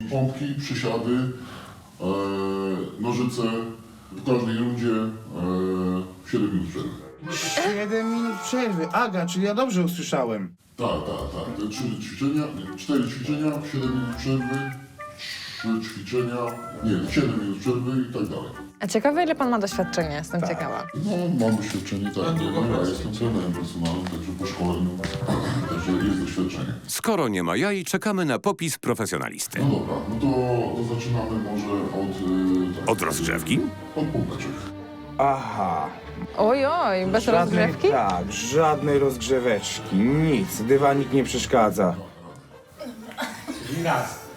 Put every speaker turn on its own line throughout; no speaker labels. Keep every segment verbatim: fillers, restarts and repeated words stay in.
Pompki, przysiady, e, nożyce, w każdej rundzie e, siedem minut przerwy.
siedem minut przerwy. Aga, czyli ja dobrze usłyszałem.
Tak, tak, tak. Te trzy ćwiczenia, nie, cztery ćwiczenia, siedem minut przerwy, trzy ćwiczenia, nie, siedem minut przerwy i tak dalej.
A ciekawe, ile pan ma doświadczenia, jestem ciekawa.
No, mam doświadczenie, tak. No, ja jestem trenerem personalnym, także po szkoleniu, także jest doświadczenie.
Skoro nie ma jaj, czekamy na popis profesjonalisty.
No dobra, no to, to zaczynamy może od... y, tak,
Od rozgrzewki?
Od pompeczek.
Aha.
Oj, oj, bez
Żadnej-
rozgrzewki?
Tak, żadnej rozgrzeweczki, nic. Dywanik nie przeszkadza.
Raz.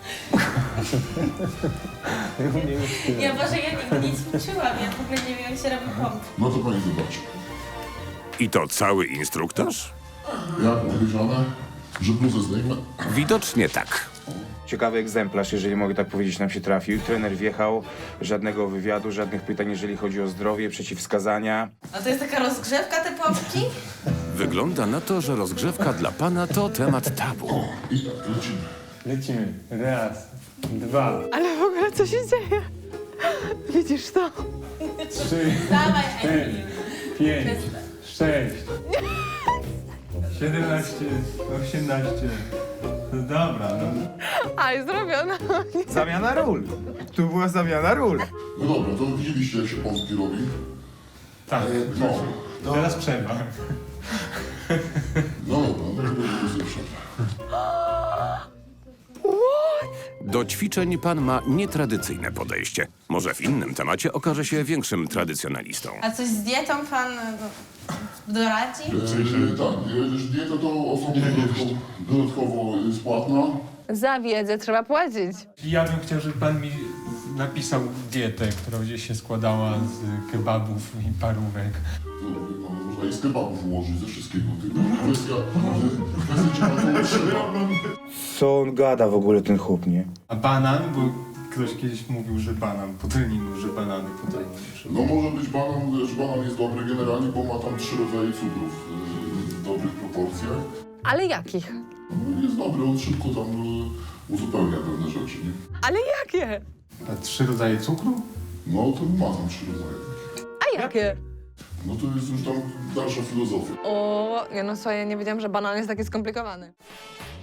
Ja Boże, ja nigdy nic nie czułam, ja w ogóle nie wiem, jak się robi pomp.
No to pani zobaczy.
I to cały instruktaż?
Jak powiedziane, że bluzę zdejmę.
Widocznie tak.
Ciekawy egzemplarz, jeżeli mogę tak powiedzieć, nam się trafił. Trener wjechał, żadnego wywiadu, żadnych pytań, jeżeli chodzi o zdrowie, przeciwwskazania.
A to jest taka rozgrzewka, te pompki?
Wygląda na to, że rozgrzewka dla pana to temat tabu.
I tak, lecimy.
Lecimy. Raz, dwa,
Ale w ogóle co się dzieje? Widzisz to?
trzy,
Dawaj,
cztery,
Emil.
pięć, sześć, siedemnaście, osiemnaście. No dobra, no.
Aj, zrobiona.
Zamiana ról. Tu była zamiana ról.
No dobra, to widzieliście, jak się pompki robi.
Tak.
No,
Teraz przerwa.
no dobra, no to będzie sobie przerwę.
Do ćwiczeń pan ma nietradycyjne podejście. Może w innym temacie okaże się większym tradycjonalistą.
A coś z dietą pan no, doradzi?
E, tak, e, dieta to osobno dodatkowo, dodatkowo jest płatna.
Za wiedzę trzeba płacić.
Ja bym chciał, żeby pan mi napisał dietę, która będzie się składała z kebabów i parówek.
No, wie pan, można i z kebabów ułożyć, ze wszystkiego. Tylko kwestia, kwestia czy na to trzeba.
Co on gada w ogóle, ten chłop, nie?
A banan, bo ktoś kiedyś mówił, że banan po treningu, że banany po treningu.
No może być banan, że banan jest dobry generalnie, bo ma tam trzy rodzaje cukrów e, w dobrych proporcjach.
Ale jakich?
No, jest dobry, on szybko tam e, uzupełnia pewne rzeczy, nie?
Ale jakie?
A trzy rodzaje cukru?
No to ma tam trzy rodzaje.
A jakie?
No to jest już tam dalsza filozofia.
O, nie no słuchaj, ja nie wiedziałam, że banan jest taki skomplikowany.